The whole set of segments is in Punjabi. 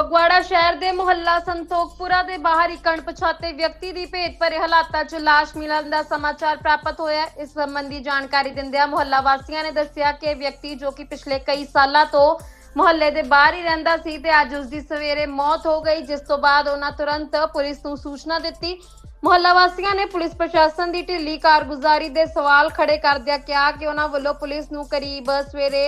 ਫਗਵਾੜਾ ਸ਼ਹਿਰ ਦੇ ਮੁਹੱਲਾ ਸੰਤੋਖਪੁਰਾ ਦੇ ਬਾਹਰ ਇੱਕ ਅਣਪਛਾਤੇ ਵਿਅਕਤੀ ਦੀ ਭੇਤ ਭਰੇ ਹਾਲਾਤਾਂ 'ਚ ਲਾਸ਼ ਮਿਲਣ ਦਾ ਸਮਾਚਾਰ ਪ੍ਰਾਪਤ ਹੋਇਆ। ਇਸ ਸੰਬੰਧੀ ਜਾਣਕਾਰੀ ਦਿੰਦਿਆਂ ਮੁਹੱਲਾ ਵਾਸੀਆਂ ਨੇ ਦੱਸਿਆ ਕਿ ਇਹ ਵਿਅਕਤੀ ਜੋ ਕਿ ਪਿਛਲੇ ਕਈ ਸਾਲਾਂ ਤੋਂ ਮੁਹੱਲੇ ਦੇ ਬਾਹਰ ਹੀ ਰਹਿੰਦਾ ਸੀ ਤੇ ਅੱਜ ਉਸ ਦੀ ਸਵੇਰੇ ਮੌਤ ਹੋ ਗਈ, ਜਿਸ ਤੋਂ ਬਾਅਦ ਉਹਨਾਂ ਤੁਰੰਤ ਪੁਲਿਸ ਨੂੰ ਸੂਚਨਾ ਦਿੱਤੀ। ਮੁਹੱਲਾ ਵਾਸੀਆਂ ਨੇ ਪੁਲਿਸ ਪ੍ਰਸ਼ਾਸਨ ਦੀ ਢਿੱਲੀ ਕਾਰਗੁਜ਼ਾਰੀ ਦੇ ਸਵਾਲ ਖੜੇ ਕਰਦਿਆਂ ਕਿਹਾ ਕਿ ਉਹਨਾਂ ਵੱਲੋਂ ਪੁਲਿਸ ਨੂੰ ਕਰੀਬ ਸਵੇਰੇ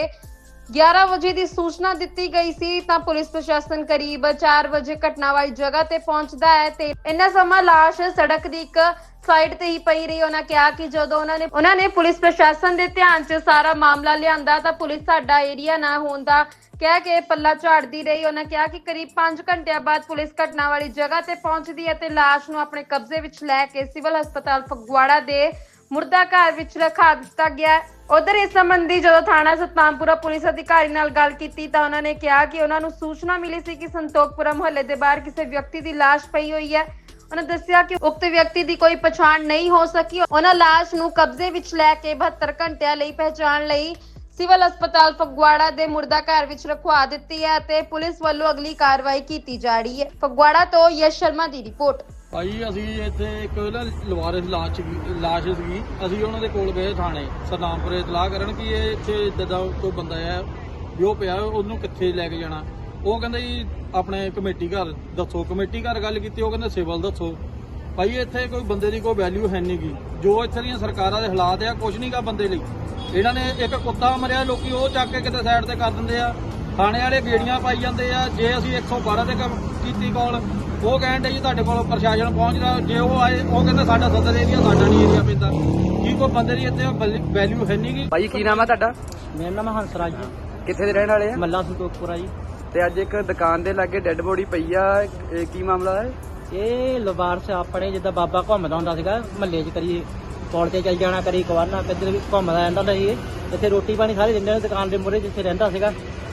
11 ਵਜੇ ਦੀ ਸੂਚਨਾ ਦਿੱਤੀ ਗਈ ਸੀ ਤਾਂ ਪੁਲਿਸ ਪ੍ਰਸ਼ਾਸਨ ਕਰੀਬ 4 ਵਜੇ ਘਟਨਾ ਵਾਲੀ ਜਗ੍ਹਾ ਤੇ ਪਹੁੰਚਦਾ ਹੈ ਤੇ ਇੰਨਾ ਸਮਾਂ ਲਾਸ਼ ਸੜਕ ਦੀ ਇੱਕ ਸਾਈਡ ਤੇ ਹੀ ਪਈ ਰਹੀ। ਉਹਨਾਂ ਕਿਹਾ ਕਿ ਜਦੋਂ ਉਹਨਾਂ ਨੇ ਪੁਲਿਸ ਪ੍ਰਸ਼ਾਸਨ ਦੇ ਧਿਆਨ 'ਚ ਸਾਰਾ ਮਾਮਲਾ ਲਿਆਂਦਾ ਤਾਂ ਪੁਲਿਸ ਸਾਡਾ ਏਰੀਆ ਨਾ ਹੋਣ ਦਾ ਕਹਿ ਕੇ ਪੱਲਾ ਝਾੜਦੀ ਰਹੀ। ਉਹਨਾਂ ਕਿਹਾ ਕਿ ਕਰੀਬ 5 ਘੰਟਿਆਂ ਬਾਅਦ ਪੁਲਿਸ ਘਟਨਾ ਵਾਲੀ ਜਗ੍ਹਾ ਤੇ ਪਹੁੰਚਦੀ ਹੈ ਤੇ ਲਾਸ਼ ਨੂੰ ਆਪਣੇ ਕਬਜ਼ੇ ਵਿੱਚ ਲੈ ਕੇ ਸਿਵਲ ਹਸਪਤਾਲ ਫਗਵਾੜਾ ਦੇ ਮੁਰਦਾ ਘਰ ਵਿੱਚ ਰਖਾ ਦਿੱਤਾ ਗਿਆ। ਉਧਰ ਇਸ ਸੰਬੰਧੀ ਜਦੋਂ ਥਾਣਾ ਸਤਨਾਮਪੁਰਾ ਪੁਲਿਸ ਅਧਿਕਾਰੀ ਨਾਲ ਗੱਲ ਕੀਤੀ ਤਾਂ ਉਹਨਾਂ ਨੇ ਕਿਹਾ ਕਿ ਉਹਨਾਂ ਨੂੰ ਸੂਚਨਾ ਮਿਲੀ ਸੀ ਕਿ ਸੰਤੋਖਪੁਰਾ ਮੁਹੱਲੇ ਦੇ ਬਾਹਰ ਕਿਸੇ ਵਿਅਕਤੀ ਦੀ ਲਾਸ਼ ਪਈ ਹੋਈ ਹੈ। ਉਹਨਾਂ ਦੱਸਿਆ ਕਿ ਉਕਤ ਵਿਅਕਤੀ ਦੀ ਕੋਈ ਪਛਾਣ ਨਹੀਂ ਹੋ ਸਕੀ। ਉਹਨਾਂ ਲਾਸ਼ ਨੂੰ ਕਬਜ਼ੇ ਵਿੱਚ ਲੈ ਕੇ 72 ਘੰਟਿਆਂ ਲਈ ਪਹਿਚਾਣ ਲਈ ਸਿਵਲ ਹਸਪਤਾਲ ਫਗਵਾੜਾ ਦੇ ਮੁਰਦਾ ਘਰ ਵਿੱਚ ਰਖਵਾ ਦਿੱਤੀ ਹੈ ਤੇ ਪੁਲਿਸ ਵੱਲੋਂ ਅਗਲੀ ਕਾਰਵਾਈ ਕੀਤੀ ਜਾ ਰਹੀ ਹੈ। ਫਗਵਾੜਾ ਤੋਂ ਯਸ਼ ਸ਼ਰਮਾ ਦੀ ਰਿਪੋਰਟ। ਭਾਈ ਅਸੀਂ ਇੱਥੇ ਇੱਕ ਲਵਾਰਿਸ ਲਾਸ਼ ਸੀਗੀ, ਅਸੀਂ ਉਹਨਾਂ ਦੇ ਕੋਲ ਗਏ ਥਾਣੇ ਸਤਨਾਮਪੁਰੇ ਇਤਲਾਹ ਕਰਨ ਕਿ ਇਹ ਇੱਥੇ ਇੱਦਾਂ ਦਾ ਕੋਈ ਬੰਦਾ ਹੈ ਵੀ ਉਹ ਪਿਆ, ਉਹਨੂੰ ਕਿੱਥੇ ਲੈ ਕੇ ਜਾਣਾ। ਉਹ ਕਹਿੰਦਾ ਜੀ ਆਪਣੇ ਕਮੇਟੀ ਘਰ ਦੱਸੋ। ਕਮੇਟੀ ਘਰ ਗੱਲ ਕੀਤੀ, ਉਹ ਕਹਿੰਦੇ ਸਿਵਲ ਦੱਸੋ। ਭਾਈ ਇੱਥੇ ਕੋਈ ਬੰਦੇ ਦੀ ਕੋਈ ਵੈਲਿਊ ਹੈ ਨਹੀਂ ਗੀ। ਜੋ ਇੱਥੇ ਦੀਆਂ ਸਰਕਾਰਾਂ ਦੇ ਹਾਲਾਤ ਆ, ਕੁਝ ਨਹੀਂ ਗਾ ਬੰਦੇ ਲਈ। ਇਹਨਾਂ ਨੇ ਇੱਕ ਕੁੱਤਾ ਮਰਿਆ, ਲੋਕੀ ਉਹ ਚੱਕ ਕੇ ਕਿਤੇ ਸਾਈਡ ਤੇ ਕਰ ਦਿੰਦੇ ਆ। ਥਾਣੇ ਵਾਲੇ ਗੇੜੀਆਂ ਪਾਈ ਜਾਂਦੇ ਆ। ਜੇ ਅਸੀਂ 112 ਤੇ ਕੀਤੀ ਕਾਲ, ਉਹ ਕਹਿੰਦੇ ਜੀ ਤੁਹਾਡੇ ਕੋਲ ਪ੍ਰਸ਼ਾਸਨ ਪਹੁੰਚਦਾ। ਜੇ ਉਹ ਆਏ, ਉਹ ਕਹਿੰਦੇ ਸਾਡਾ ਸਦਰ ਏਰੀਆ, ਸਾਡਾ ਨਹੀਂ ਏਰੀਆ ਪੈਂਦਾ। ਕੀ ਕੋਈ ਬੰਦੇ ਦੀ ਇੱਥੇ ਵੈਲਿਊ ਹੈ ਨਹੀਂ ਗੀ। ਭਾਈ ਕੀ ਨਾਮ ਹੈ ਤੁਹਾਡਾ? ਮੇਰਾ ਨਾਮ ਹੰਸਰਾਜ ਜੀ, ਕਿੱਥੇ ਦੇ ਰਹਿਣ ਵਾਲੇ ਆ? ਮੱਲਾ ਸੰਤੋਖਪੁਰਾ ਜੀ। ਤੇ ਅੱਜ ਇੱਕ ਦੁਕਾਨ ਦੇ ਲਾਗੇ ਡੈੱਡ ਬੋਡੀ ਪਈ ਆ, ਇਹ ਕੀ ਮਾਮਲਾ ਹੈ? ਇਹ ਲਵਾਰਸ ਆਪਣੇ ਜਿੱਦਾਂ ਬਾਬਾ ਘੁੰਮਦਾ ਹੁੰਦਾ ਸੀਗਾ ਮਹੱਲੇ 'ਚ, ਕਰੀ ਪੌੜ ਤੇ ਚੱਲ ਜਾਣਾ, ਕਰੀ ਕਵਾਰਨਾ, ਕਿੱਧਰ ਵੀ ਘੁੰਮਦਾ ਰਹਿੰਦਾ ਹੁੰਦਾ ਸੀ। ਇੱਥੇ ਰੋਟੀ ਪਾਣੀ ਸਾਰੇ ਦਿੰਦੇ ਨੇ ਦੁਕਾਨ ਦੇ ਮੂਹਰੇ ਜਿੱਥੇ ਰਹਿੰਦਾ ਸੀਗਾ।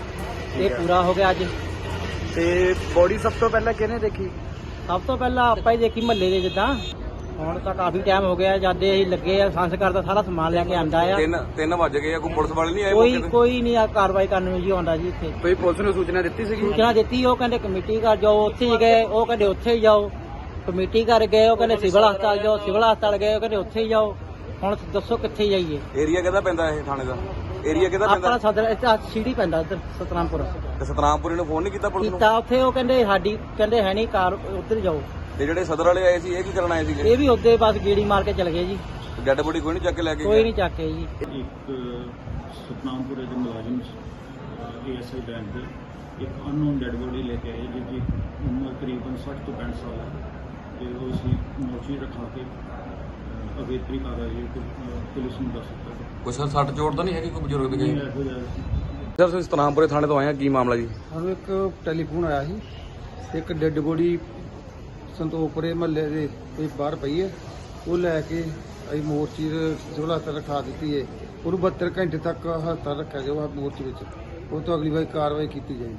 ਇਹ ਪੂਰਾ ਹੋ ਗਿਆ ਅੱਜ। ਤੇ ਬੋਡੀ ਸਭ ਤੋਂ ਪਹਿਲਾਂ ਕਿਹਨੇ ਦੇਖੀ? ਸਭ ਤੋਂ ਪਹਿਲਾਂ ਆਪਾਂ ਹੀ ਦੇਖੀ ਮਹੱਲੇ ਦੇ। ਜਿੱਦਾਂ ਹੁਣ ਤਾਂ ਕਾਫੀ ਟਾਈਮ ਹੋ ਗਿਆ ਜਦ ਅਸੀਂ ਲੱਗੇ ਆ ਸੰਸਕਾਰ ਦਾ ਸਾਰਾ ਸਮਾਨ ਲੈ ਕੇ ਆਂਦਾ ਆ। 3 ਵਜ ਗਏ ਆ, ਕੋਈ ਪੁਲਿਸ ਵਾਲੇ ਨਹੀਂ ਆਏ? ਕੋਈ ਨਹੀਂ ਆ ਕਾਰਵਾਈ ਕਰਨ ਨੂੰ ਜੀ ਆਉਂਦਾ ਜੀ। ਇੱਥੇ ਕੋਈ ਪੁਲਿਸ ਨੂੰ ਸੂਚਨਾ ਦਿੱਤੀ ਸੀਗੀ? ਸੂਚਨਾ ਦਿੱਤੀ, ਉਹ ਕਹਿੰਦੇ ਕਮੇਟੀ ਘਰ ਜਾਓ, ਉੱਥੇ ਹੀ ਗਏ। ਉਹ ਕਹਿੰਦੇ ਉੱਥੇ ਹੀ ਜਾਓ। ਕਮੇਟੀ ਘਰ ਗਏ, ਉਹ ਕਹਿੰਦੇ ਸਿਵਲ ਹਸਪਤਾਲ ਜਾਓ। ਸਿਵਲ ਹਸਪਤਾਲ ਗਏ, ਉਹ ਕਹਿੰਦੇ ਉੱਥੇ ਹੀ ਜਾਓ। ਹੁਣ ਦੱਸੋ ਕਿੱਥੇ ਜਾਈਏ? ਏਰੀਆ ਕਿਹਦਾ ਪੈਂਦਾ ਇਹ ਥਾਣੇ ਦਾ? ਏਰੀਆ ਕਿਹਦਾ ਆਪਣਾ ਪੈਂਦਾ? ਸਦਰ ਇੱਥੇ ਸੀੜੀ ਪੈਂਦਾ ਇੱਧਰ ਸਤਨਾਮਪੁਰ। ਤੇ ਸਤਨਾਮਪੁਰੀ ਨੂੰ ਫੋਨ ਨਹੀਂ ਕੀਤਾ ਪੁਲਿਸ ਨੂੰ? ਕੀਤਾ, ਉੱਥੇ ਉਹ ਕਹਿੰਦੇ ਸਾਡੀ ਕਹਿੰਦੇ ਹੈ ਨਹੀਂ ਕਾਰ, ਉੱਧਰ ਜਾਓ। ਤੇ ਜਿਹੜੇ ਸਦਰ ਵਾਲੇ ਆਏ ਸੀ, ਇਹ ਕੀ ਕਰਨ ਆਏ ਸੀਗੇ? ਇਹ ਵੀ ਉੱਧੇ ਬਸ ਗੇੜੀ ਮਾਰ ਕੇ ਚਲੇ ਗਏ ਜੀ। ਡੈਡ ਬੋਡੀ ਕੋਈ ਨਹੀਂ ਚੱਕ ਕੇ ਲੈ ਕੇ ਕੋਈ ਗਿਆ? ਨਹੀਂ ਚੱਕੇ ਜੀ। ਇੱਕ ਸਤਨਾਮਪੁਰੇ ਦੇ ਮੁਲਾਜ਼ਮ ASI ਬੈਂਕ ਦੇ ਇੱਕ ਅਨਨੋਨ ਡੈਡ ਬੋਡੀ ਲੈ ਕੇ ਆਏ, ਜਿਹਦੀ ਉਮਰ ਕਰੀਬਨ 60 ਤੋਂ 65 ਸਾਲ ਹੈ ਤੇ ਉਹ ਅਸੀਂ ਮੋਰਚੀ ਰਖਾ ਕੇ ਅਗੇਤਰੀ ਕਾਰਵਾਈ ਪੁਲਿਸ ਨੂੰ ਦੱਸ ਦਿੱਤਾ। ਕੋਈ ਸਰ ਸੱਟ ਚੋਟ ਤਾਂ ਨਹੀਂ ਹੈਗੀ ਕੋਈ ਬਜ਼ੁਰਗ ਦੀ? ਇਹੋ ਜਿਹਾ ਸਰ ਤੁਸੀਂ ਸਤਨਾਮਪੁਰੇ ਥਾਣੇ ਤੋਂ ਆਏ ਆ, ਕੀ ਮਾਮਲਾ ਜੀ? ਸਾਨੂੰ ਇੱਕ ਟੈਲੀਫੋਨ ਆਇਆ ਸੀ, ਇੱਕ ਡੈੱਡ ਬੋਡੀ ਸੰਤੋਖਪੁਰੇ ਮਹੱਲੇ ਦੇ ਕੋਈ ਬਾਹਰ ਪਈ ਹੈ। ਉਹ ਲੈ ਕੇ ਅਸੀਂ ਮੋਰਚੀ ਸਿਵਲ ਹਸਪਤਾਲ ਰਖਾ ਦਿੱਤੀ ਹੈ। ਉਹਨੂੰ 72 ਘੰਟੇ ਤੱਕ ਹਸਪਤਾਲ ਰੱਖਿਆ ਗਿਆ ਮੋਰਚੀ ਵਿੱਚ। ਉਹ ਤੋਂ ਅਗਲੀ ਵਾਰ ਕਾਰਵਾਈ ਕੀਤੀ ਜਾਏਗੀ।